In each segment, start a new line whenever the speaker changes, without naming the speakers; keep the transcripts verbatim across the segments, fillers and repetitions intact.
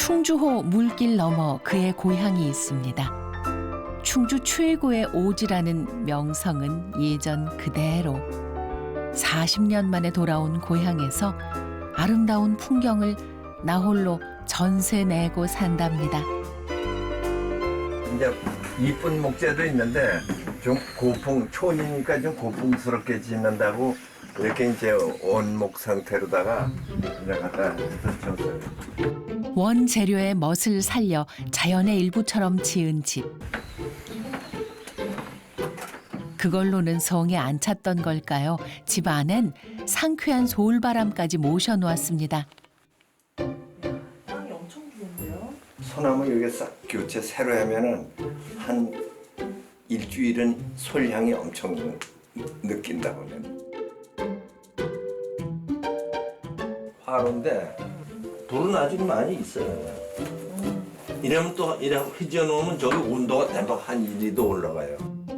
충주호 물길 너머 그의 고향이 있습니다. 충주 최고의 오지라는 명성은 예전 그대로 사십 년 만에 돌아온 고향에서 아름다운 풍경을 나홀로 전세 내고 산답니다.
이제 이쁜 목재도 있는데 좀 고풍, 촌이니까 좀 고풍스럽게 짓는다고 이렇게 이제 원목 상태로다가 이제 갖다 줬어요.
원재료의 멋을 살려 자연의 일부처럼 지은 집. 그걸로는 성에 안 찼던 걸까요? 집 안엔 상쾌한 서울바람까지 모셔놓았습니다.
땅이 엄청 좋은데요?
소나무 여기 싹 교체 새로 하면은 한 일주일은 솔향이 엄청 느낀다고는. 화로인데 불은 아직 많이 있어요. 이러면 또 이래 휘저놓으면 저기 온도가 대박 한 일, 이 도 올라가요.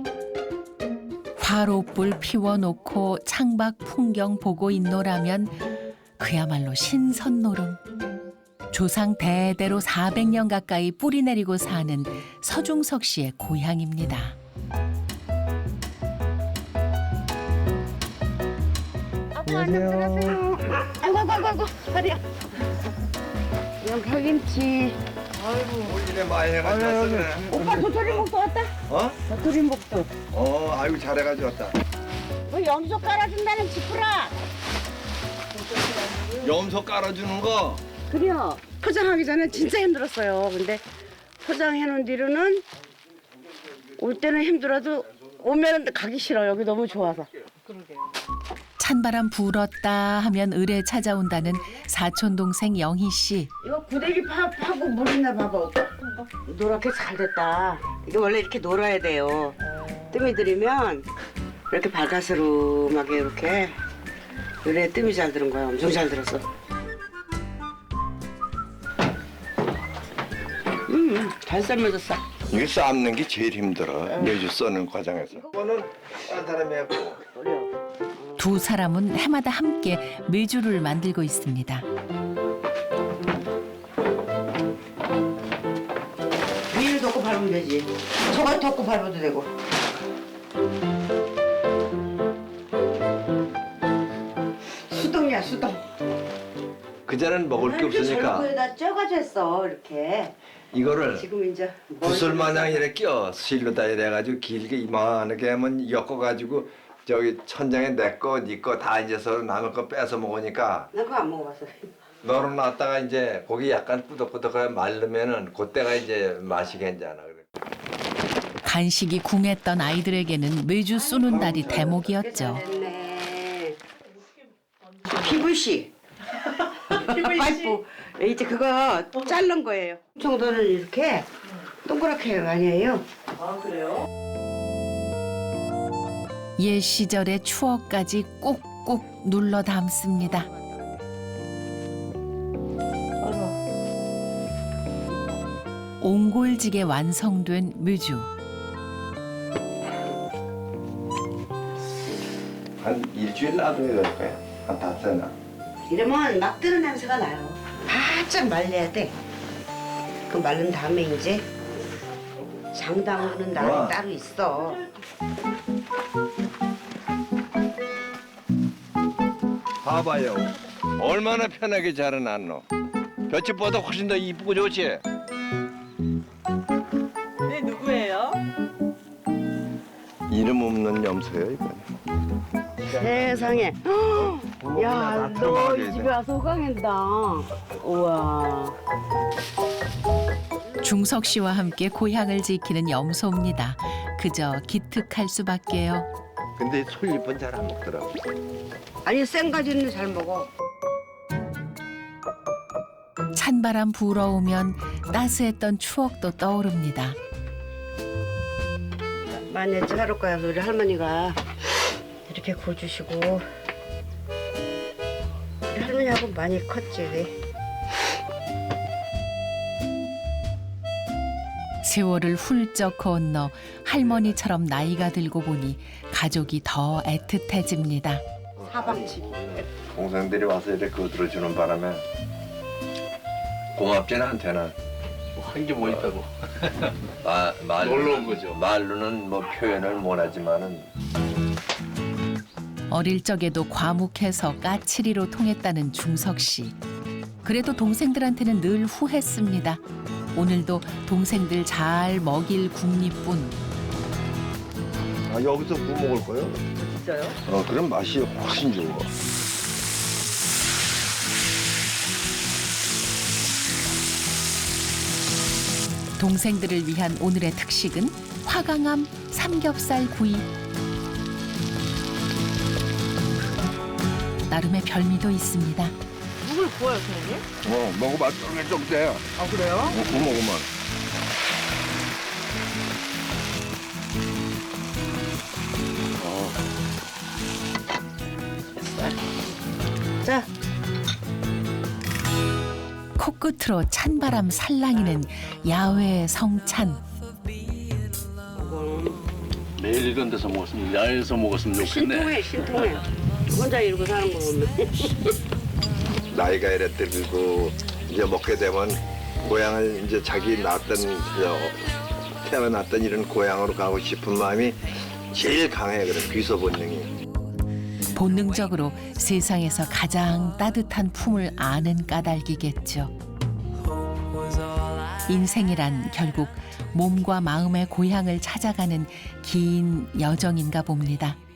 화로불 피워놓고 창밖 풍경 보고 있노라면 그야말로 신선노름. 조상 대대로 사백 년 가까이 뿌리 내리고 사는 서중석 씨의 고향입니다.
안녕하세요. 아이고 아이고 아이고 다리야. 이건 파김치.
올리네 많이 해가지고 왔네.
오빠 도토리묵도 왔다.
어?
도토리묵도.
어, 아이고 잘해가지고 왔다.
뭐 염소 깔아준다는 지푸라.
염소 깔아주는 거.
그래요. 포장하기 전에 진짜 힘들었어요. 근데 포장해놓은 뒤로는 올 때는 힘들어도 오면은 가기 싫어. 여기 너무 좋아서.
찬바람 불었다 하면 을에 찾아온다는 사촌 동생 영희 씨.
이거 구데기 파, 파고 물 있나 봐봐. 오빠. 노랗게 잘 됐다. 이게 원래 이렇게 놀아야 돼요. 뜸이 들이면 이렇게 바다스름하게 이렇게 요래 뜸이 잘 들은 거야. 엄청 잘 들었어. 음, 잘 삶아졌어.
이거 삶는 게 제일 힘들어. 매주 써는 과정에서. 이거는 딴 사람이 했고.
그래요.
두 사람은 해마다 함께 메주를 만들고 있습니다.
위를 덮고 밟으면 되지. 저걸 덮고 밟아도 되고. 수동이야, 수동.
그전엔 먹을 게 없으니까
저거에다 쪄가지고 했어, 이렇게.
이거를
지금 이제
구슬 마냥 이렇게 껴 실로다 이래가지고 길게 이만하게 하면 엮어가지고 저기 천장에 내 거, 네 거 다 이제 서로 남의 거 뺏어 먹으니까
난 그거 안 먹어봤어.
널어놨다가 이제 고기 약간 꾸덕꾸덕하게 말르면은 그때가 이제 맛이 괜찮아.
간식이 궁했던 아이들에게는 메주 쏘는 날이 대목이었죠.
됐네. 피부씨. 파이프. 이제 그거 자른 거예요. 정도는 이렇게 동그랗게 아니에요.
아 그래요?
옛 시절의 추억까지 꾹꾹 눌러 담습니다. 옹골지게 완성된 메주.
한 일주일 놔둬야 될 거야. 한 닷새나.
이러면 막 뜨는 냄새가 나요. 바짝 말려야 돼. 그 말른 다음에 이제 장 담그는 날이
와.
따로 있어.
봐봐요. 얼마나 편하게 자라났노. 볏짚보다 훨씬 더 이쁘고 좋지.
네 누구예요?
이름 없는 염소예요 이건.
세상에. 야, 너 이 집에 와서 호강한다. 우와.
중석 씨와 함께 고향을 지키는 염소입니다. 그저 기특할 수밖에요.
근데 솔잎은 잘 안 먹더라고.
아니 생가지는 잘 먹어.
찬바람 불어오면 따스했던 추억도 떠오릅니다.
만약에 하루가야 우리 할머니가 이렇게 구워주시고 우리 할머니하고 많이 컸지.
세월을 훌쩍 건너 할머니처럼 나이가 들고 보니 가족이 더 애틋해집니다.
사방치.
동생들이 와서 이렇게 거들어주는 바람에 고맙지 나한테는.
한 게 뭐 있다고.
마, 말로,
놀러 온 거죠.
말로는 뭐 표현을 못하지만은
어릴 적에도 과묵해서 까칠이로 통했다는 중석 씨. 그래도 동생들한테는 늘 후했습니다. 오늘도 동생들 잘 먹일 국리뿐.
아, 여기서 구 먹을 거요?
진짜요?
어, 그럼 맛이 훨씬 좋아.
동생들을 위한 오늘의 특식은 화강암 삼겹살 구이. 나름의 별미도 있습니다.
누굴 구워요, 선생님?
어, 먹어봐. 쫄깃쫄깃해.
아, 그래요?
어, 구 먹으면.
자,
코끝으로 찬바람 살랑이는 야외 성찬.
매일 이런 데서 먹었으면 야외에서 먹었으면 좋겠네.
신통해, 신통해. 혼자 이러고 사는 거 보면.
나이가 이래 들고 이제 먹게 되면 고향을 이제 자기 낳았던 저, 태어났던 이런 고향으로 가고 싶은 마음이 제일 강해. 그래 귀소 본능이.
본능적으로 세상에서 가장 따뜻한 품을 아는 까닭이겠죠. 인생이란 결국 몸과 마음의 고향을 찾아가는 긴 여정인가 봅니다.